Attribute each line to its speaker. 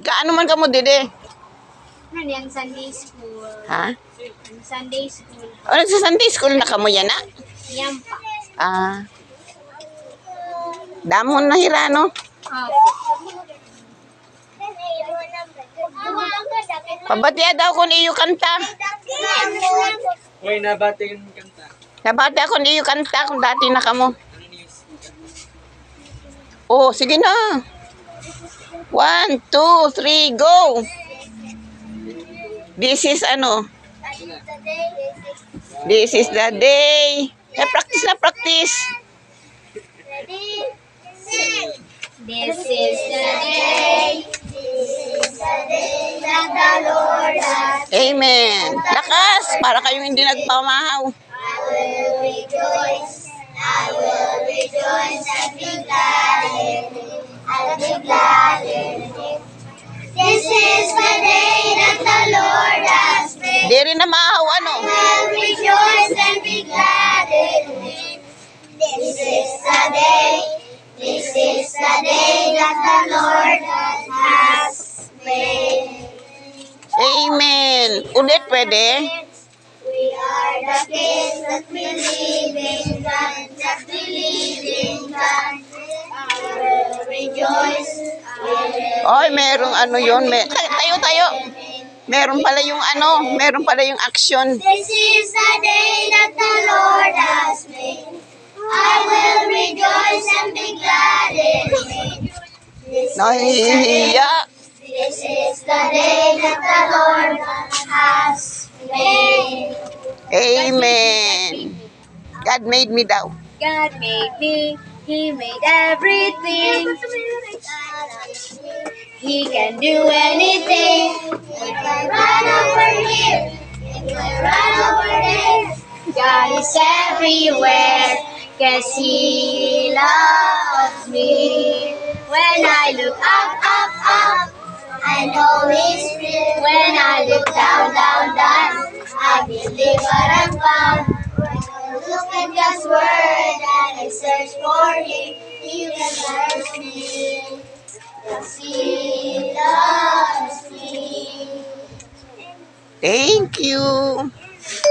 Speaker 1: Kaano man ka mo, dede?
Speaker 2: Ano yan, Sunday school.
Speaker 1: Ha?
Speaker 2: Sunday school.
Speaker 1: O, sa Sunday school na ka mo yan, na?
Speaker 2: Yan pa.
Speaker 1: Damon na hira, no? Pabatiya daw kung iyo kanta.
Speaker 3: Uy, nabati yung kanta.
Speaker 1: Nabati ako iyo kanta kung dati na ka mo. Oh, sige na. 1, 2, 3, go! This is ano? This is the day. Practice na, practice.
Speaker 2: This is the day. That the Lord has.
Speaker 1: Amen. Lakas, para kayong hindi nagpamahaw.
Speaker 2: I will rejoice. I will rejoice and be glad in it. I'll be glad in it. This is the day that the Lord has made.
Speaker 1: Di rin na mahaw, ano?
Speaker 2: I will rejoice and be glad in it. This is the day. This is the day that the Lord has made.
Speaker 1: Amen. Ulit, pwede?
Speaker 2: We are the kids that believe in God, that believe in God. I will rejoice.
Speaker 1: Oy, merong ano yun. Tayo. Meron pala yung ano, meron pala yung action.
Speaker 2: This is the day that the Lord has made. I will rejoice and be glad in it.
Speaker 1: Nahihiya.
Speaker 2: This is the day that the Lord has made.
Speaker 1: Amen. God made me daw.
Speaker 2: God made me, He made everything. He can do anything. If I run over here, if I run over there, God is everywhere, 'cause He loves me. When I look up, I know He's real. When I look down, I believe what I'm found. Look at God's word and I search for Him. He will search me, 'cause He loves me.
Speaker 1: Thank you.